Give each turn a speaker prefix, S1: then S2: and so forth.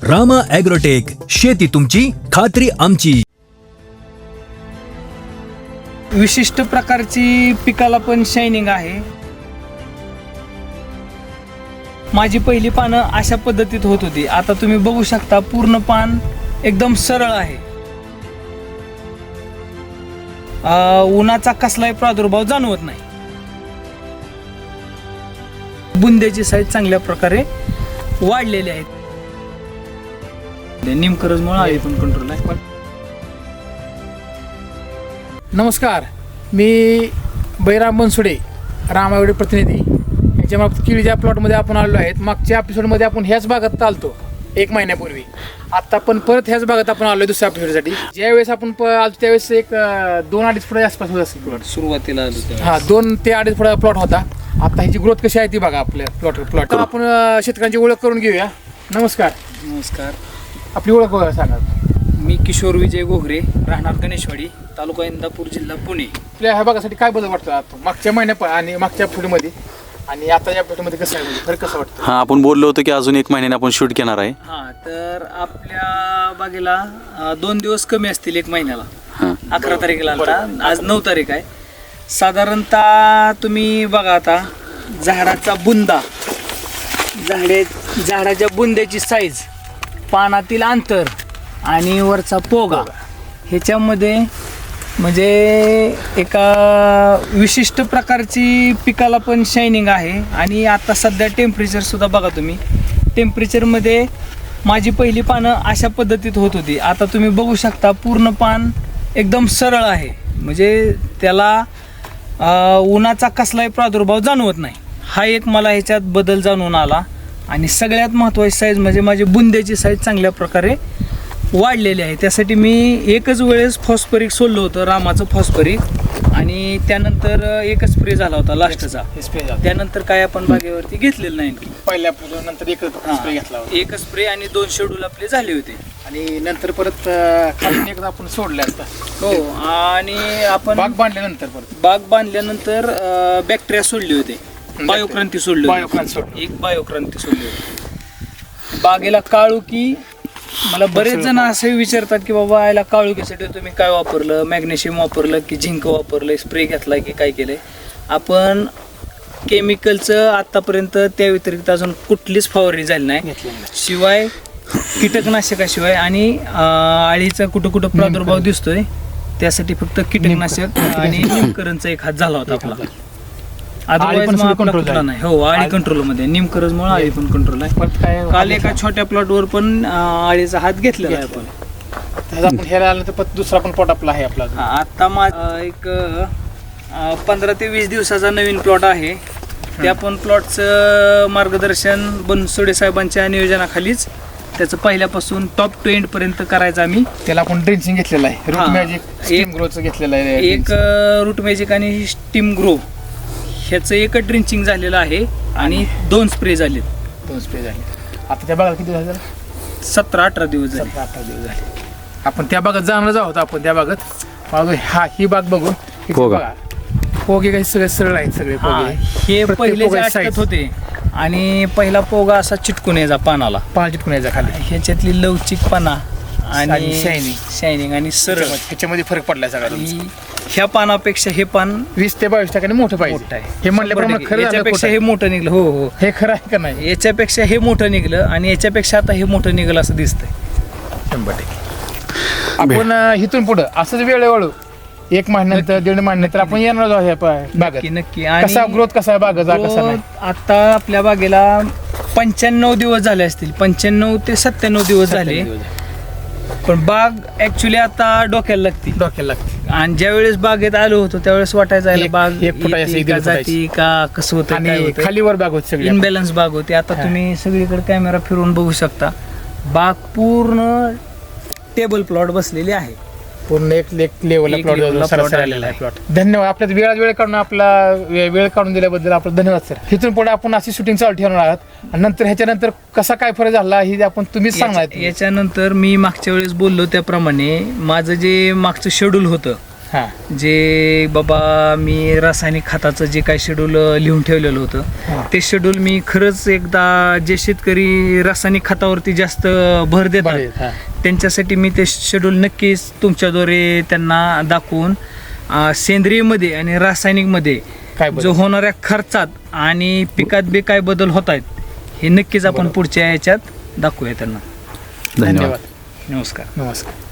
S1: Rama agrotech, शेती तुमची, खात्री आमची.
S2: विशिष्ट प्रकारची पिकाला पण शायनिंग आहे. माझी पहिली पानं अशा पद्धतीत होत होती. आता तुम्ही बघू शकता पूर्ण पान एकदम सरळ आहे. उन्हाचा कसलाही प्रादुर्भाव जाणवत नाही. बुंद्याची साईज चांगल्या प्रकारे वाढलेली आहेत. निमकरजमुळे आळी पण कंट्रोल आहे.
S3: नमस्कार, मी बैराम बनसोडे, रामावडे प्रतिनिधी. याच्यामुळे केळीच्या प्लॉटमध्ये आपण आलो आहेत. मागच्या एपिसोडमध्ये आपण ह्याच भागात चालतो 1 महिन्यापूर्वी. आत्ता पण परत ह्याच भागात आपण आलो दुसऱ्या एपिसोडसाठी. ज्यावेळेस आपण आलो त्यावेळेस एक 2-2.5 फुटाच्या आसपास होत असेल प्लॉट.
S2: सुरुवातीला आलो
S3: हा 2 ते 2.5 फुटाचा प्लॉट होता. आता ह्याची ग्रोथ कशी आहे ती बघा आपल्या प्लॉट. आपण शेतकऱ्यांची ओळख करून घेऊया. नमस्कार.
S2: नमस्कार,
S3: आपली ओळख सांगा.
S2: मी किशोर विजय घोगरे, राहणार गणेशवाडी, तालुका इंदापूर, जिल्हा पुणे.
S3: आपल्या ह्या भागासाठी काय बदल वाटतं आता मागच्या महिन्या आणि मागच्या फुटमध्ये आणि आता या फुटमध्ये कसं आहे, म्हणजे फरक कसं वाटतं?
S4: हां, आपण बोललो होतो की अजून 1 महिन्याने आपण शूट घेणार आहे.
S2: हां, तर आपल्या बागेला 2 दिवस कमी असतील 1 महिन्याला.
S4: हां,
S2: 11 तारखेला आलता, आज 9 तारीख आहे. साधारणतः तुम्ही बघा आता झाडाचा बुंदा, झाडाच्या बुंद्याची साईज, पानातील अंतर आणि वरचा पोगा, ह्याच्यामध्ये म्हणजे एका विशिष्ट प्रकारची पिकाला पण शायनिंग आहे. आणि आता सध्या टेम्परेचर सुद्धा बघा तुम्ही. टेम्परेचरमध्ये माझी पहिली पानं अशा पद्धतीत होत होती. आता तुम्ही बघू शकता पूर्ण पान एकदम सरळ आहे. म्हणजे त्याला उन्हाचा कसलाही प्रादुर्भाव जाणवत नाही. हा एक मला ह्याच्यात बदल जाणून आला. आणि सगळ्यात महत्त्वाची साईज म्हणजे माझी बुंद्याची साईज चांगल्या प्रकारे वाढलेली आहे. त्यासाठी मी एकच वेळेस फॉस्फरिक सोडलं होतं, रामाचं फॉस्फरिक, आणि त्यानंतर एकच स्प्रे झाला होता लास्टचा. त्यानंतर काय आपण बागेवरती घेतलेलं नाही.
S3: पहिल्या नंतर एकच स्प्रे घेतला होता.
S2: एकच स्प्रे आणि 2 शेड्यूल आपले झाले होते.
S3: आणि नंतर परत खाली एकदा आपण सोडले आता.
S2: हो, आणि आपण
S3: बाग
S2: बांधल्यानंतर बॅक्टेरिया सोडले होते, बायोक्रांती सोडली होती. एक बायोक्रांती सोडली होती. बागेला काळुकी, मला बरेच जण असे विचारतात की बाबा याला काळुकीसाठी तुम्ही काय वापरलं, मॅग्नेशियम वापरलं की झिंक वापरलं, स्प्रे घेतला की काय केलंय. आपण केमिकलचं आतापर्यंत त्या व्यतिरिक्त अजून कुठलीच फवारणी झाली नाही, शिवाय कीटकनाशकाशिवाय. आणि आळीचा कुठं कुठं प्रादुर्भाव दिसतोय त्यासाठी फक्त कीटकनाशक आणि निमकरणचा एक हात झाला होता आपला. कंट्रोल नाही. हो, आळी कंट्रोल मध्ये निमकरजमुळे आळी पण कंट्रोल आहे. काल एका छोट्या प्लॉटवर पण आळीचा हात घेतलेला आहे आपण.
S3: आपण ह्याला आल्यानंतर दुसरा पण प्लॉट आपला आहे आपला.
S2: आता एक 15 ते 20 दिवसाचा नवीन प्लॉट आहे. त्या पण प्लॉटचं मार्गदर्शन बनसोडे साहेबांच्या नियोजनाखालीच त्याचं पहिल्यापासून टॉप टू एंड पर्यंत करायचं आम्ही.
S3: त्याला आपण ड्रिंचिंग घेतलेलं आहे, रूट मॅजिक, स्टीम ग्रोचं घेतलेलं आहे.
S2: एक रूट मॅजिक आणि स्टीम ग्रो ह्याचं एकच ड्रिंचिंग झालेलं आहे आणि 2 स्प्रे झालेत.
S3: 2 स्प्रे झाले. आता त्या भागात किती झाले?
S2: 17-18 दिवस झाले.
S3: 17-18 दिवस झाले. आपण त्या भागात जाणार आहोत. आपण त्या भागात ही बाग बघून पोगे काही सगळे सरळ आहेत सगळे पोगे.
S2: हे पहिले अटकत होते आणि पहिला पोगा असा चिटकून यायचा पानाला,
S3: पान चिटकून यायचा खाली.
S2: ह्याच्यातली लवचिकपणा आणि शायनिंग आणि सरळ
S3: ह्याच्यामध्ये फरक पडलाय सगळ्या.
S2: ह्या पानापेक्षा हे पान
S3: 20 ते 22% मोठं पाहिजे. हे म्हणल्याप्रमाणे खरं
S2: याच्यापेक्षा हे मोठं निघलं. हो हो,
S3: हे खरं आहे का नाही?
S2: याच्यापेक्षा हे मोठं निघलं आणि याच्यापेक्षा आता हे मोठं निघलं असं दिसतंय.
S3: 100%. आपण इथून पुढं असंच वेळेवळू 1 महिन्यानंतर 1.5 महिन्यानंतर आपण येणार आहोत बागेत.
S2: नक्की.
S3: कसा ग्रोथ कसा आहे बागाचा कसा नाही?
S2: आता आपल्या बागेला 95 दिवस झाले असतील, 95 ते 97 दिवस झाले. पण बाग ऍक्च्युली आता डोक्याला लागते. आणि ज्या वेळेस बागेत आलो होतो त्यावेळेस वाटायचं बाग
S3: 1 फुटाची
S2: जाती का कसं होतं,
S3: खालीवर बाग होती, सगळी
S2: इनबॅलन्स बाग होती. आता तुम्ही सगळीकडे कॅमेरा फिरवून बघू शकता, बाग पूर्ण टेबल प्लॉट बसलेली आहे.
S3: पूर्ण एक लेवलला प्लॉट आलेला आहे प्लॉट. धन्यवाद. आपल्या वेळ काढून वेळ काढून दिल्याबद्दल आपलं धन्यवाद सर. इथून पुढे आपण अशी शूटिंग चालू ठेवणार आहात. आणि नंतर ह्याच्यानंतर कसा काय फरक झाला हे आपण तुम्हीच सांगणार.
S2: याच्यानंतर मी मागच्या वेळेस बोललो त्याप्रमाणे माझं जे मागचं शेड्यूल होतं
S3: हां
S2: जे बाबा मी रासायनिक खताचं जे काही शेड्यूल लिहून ठेवलेलं होतं ते शेड्यूल मी खरंच एकदा जे शेतकरी रासायनिक खतावरती जास्त भर देतात
S3: हां
S2: त्यांच्यासाठी मी ते शेड्यूल नक्कीच तुमच्याद्वारे त्यांना दाखवून सेंद्रियमध्ये आणि रासायनिकमध्ये
S3: काय
S2: जो होणाऱ्या खर्चात आणि पिकात बी काय बदल होत आहेत हे नक्कीच आपण पुढच्या याच्यात दाखवूया त्यांना.
S4: धन्यवाद.
S3: धन्यवाद
S2: नमस्कार.
S3: नमस्कार.